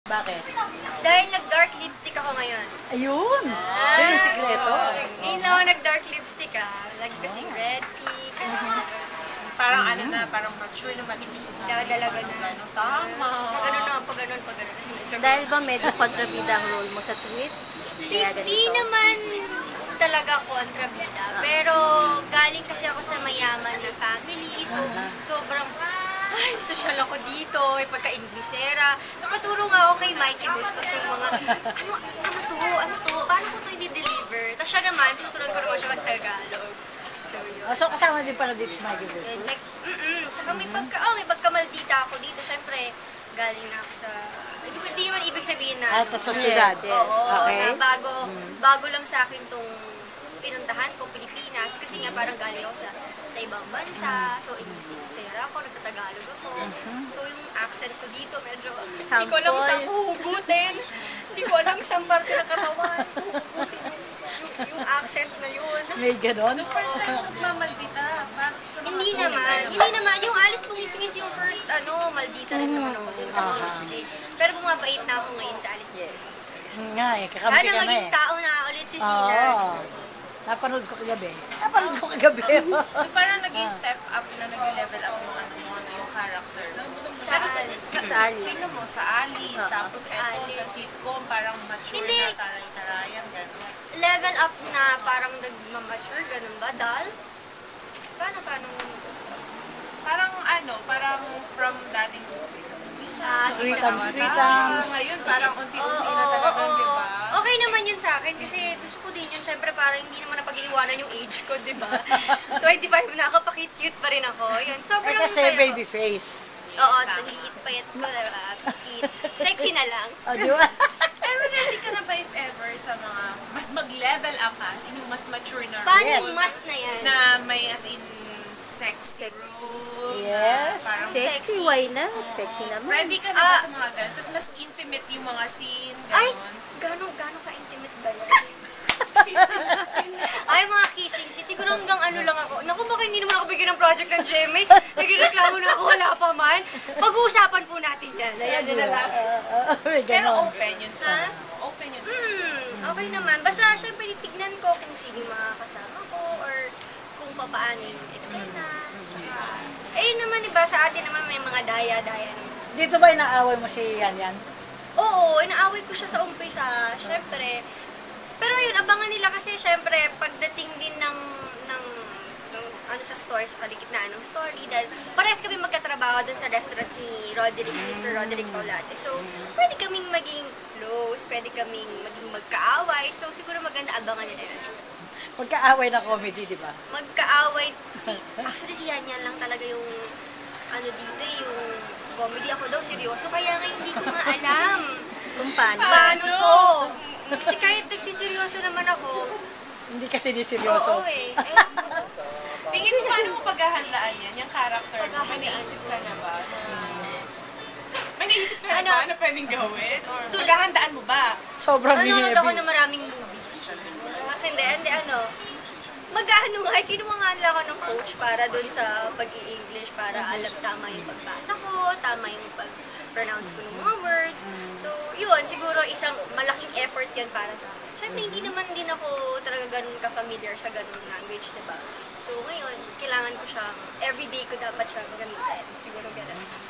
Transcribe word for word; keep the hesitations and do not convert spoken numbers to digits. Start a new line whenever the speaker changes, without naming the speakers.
Bakit?
Dahil nag-dark lipstick ako ngayon.
Ayun!
Ah,
Yun yung sikreto.
Ngayon lang ako nag-dark lipstick ah. Lagi kasi red, pink,
Parang ano na, parang mature na mature sila.
dadalaga na.
Ganun, tama.
Pag ganun na, pag ganun, pag ganun.
Dahil ba medyo kontrabida ang role mo sa tweets? Kaya
Hindi
ganito.
naman talaga kontrabida. Pero galing kasi ako sa mayaman na family. So, sobrang, ay, social ako dito. May pagka-Inglesera. Nakaturo nga ako kay Mikey Bustos ng mga, ano, ano to, ano to, paano ko to i-deliver? Tapos siya naman, tinuturuan ko naman siya mag-Tagalog. So, yun.
Oh, so kasama din pala dito si Mikey
Yun,
Versus?
like, mm-mm. Tsaka may pagka, oh, may pagkamaldita ako dito. Siyempre, galing na ako sa, hindi, hindi naman ibig sabihin na,
Ah,
ano,
sa syudad.
Yes, yes.
oo,
Okay.
na bago, bago lang sa akin tong pinuntahan ko, Pilipinas. Kasi nga parang galing ako sa sa ibang bansa. So, English Inglesera ako, nagtatagalog ako. So, yung accent ko dito, medyo, hindi ko alam saan huhugutin. Hindi ko alam saan parte ng katawan. Huhugutin yung, yung, yung accent na yun.
May ganon?
So first time siya mamaldita. Parang sa mga
Hindi
sulit
naman.
tayo
Hindi naman. Yung Alice Pungisingis yung first, ano, maldita rin naman ako dun. Kasi
Aha.
Miss Jane. Pero bumabait na ako ngayon sa Alice Pungisingis.
Hmm, nga eh, kakampi
Sana
ka na
maging
eh.
tao na ulit si
Oo.
Sina.
Napanood ko kagabi. Napanood ko kagabi.
So parang naging step up na nag-level up yung ano mo, ano yung character.
Saan?
Sa sa Ali.
Tingnan mo, sa Alice, tapos eto
Alice.
sa sitcom, parang mature
Hindi.
na, taray-tarayan, gano'n.
Level up na parang nagmamature, ganun ba? Dal? Paano, paano?
Parang ano, parang from dating
Ah,
Three
ikaw
times,
na
three
tayo.
times.
Ngayon, parang unti-unti
Oo,
na talaga,
oo,
di
oo.
ba?
Okay naman yun sa akin kasi gusto ko din yun. Siyempre parang hindi naman napag-iwanan yung age ko, di ba? twenty-five na ako, pakit-cute pa rin ako. Yun,
Eh
sobrang
kasi
saya ko.
baby face.
Oo, sa liit, payat ko, diba? Cute. Sexy na lang.
O, di ba?
Pero ready ka na ba if ever sa mga mas mag-level up ka, as in yung mas mature na
Paano
Yes.
yung mas na yan?
na may as in sexy role,
Yes.
na parang
Sexy.
Sexy, why not? Sexy naman.
ready ka na ba
Ah.
sa mga ganun? Tapos mas intimate yung mga scene,
Ay,
gano'n.
gano'n, gano'n ka-intimate ba yan? Ay, mga kissing. Si siguro hanggang ano lang ako. Naku, baka hindi naman ako bigyan ng project ng G M A. Nagreklamo na ako, wala pa man. Pag-uusapan po natin yan. Ayan na lang.
Oo, may
Pero
ganon.
open yung first mo. Open yung first mo.
Hmm, okay naman. Basta, syempre, titignan ko kung sino yung mga kasama ko or kung papaano yung eksena. Tsaka, ayun naman, iba, sa atin naman may mga daya-daya naman.
Dito ba inaaway mo si Yan Yan?
Oo, inaaway ko siya sa umpisa, syempre. Pero yun, abangan nila kasi syempre, pagdating din ng, ng, ng ano sa store, sa kaligitnaan ng story, dahil parehas kami magkatrabaho dun sa restaurant ni Roderick, mister Roderick Paulate. So, pwede kaming maging close, pwede kaming maging magkaaway. So, siguro maganda abangan nila yun.
Pagkaaway na comedy, di ba?
Magkaaway, si, actually si Yan Yan lang talaga yung, ano dito eh, yung comedy. Ako daw, seryoso, kaya nga hindi ko nga alam.
Kung paano.
Paano to? Kasi kahit nagsiseryoso naman ako,
Hindi kasi di
oo
seryoso.
eh. Eh,
Tingin mo paano mo paghahandaan yan? Yung character mo, may
Paghahandaan.
naisip ka na ba? May naisip ka na
Ano?
ba na pwedeng gawin? Or paghahandaan mo ba?
Sobrang
Nanonood ako
heavy.
ng maraming movies. Kasi hindi, hindi ano, mag-ano nga, eh, kinuha nga nila ako ng coach para dun sa pag-i-English, para alam tama yung pagbasa ko, tama yung pag-pronounce ko ng mga words. So, yun, siguro isang malaking effort yan para sa akin. Siyempre, hindi naman din ako talaga ganun ka-familiar sa ganun language, diba? So, ngayon, kailangan ko siyang, everyday ko dapat siyang gamitin. Siguro ganun.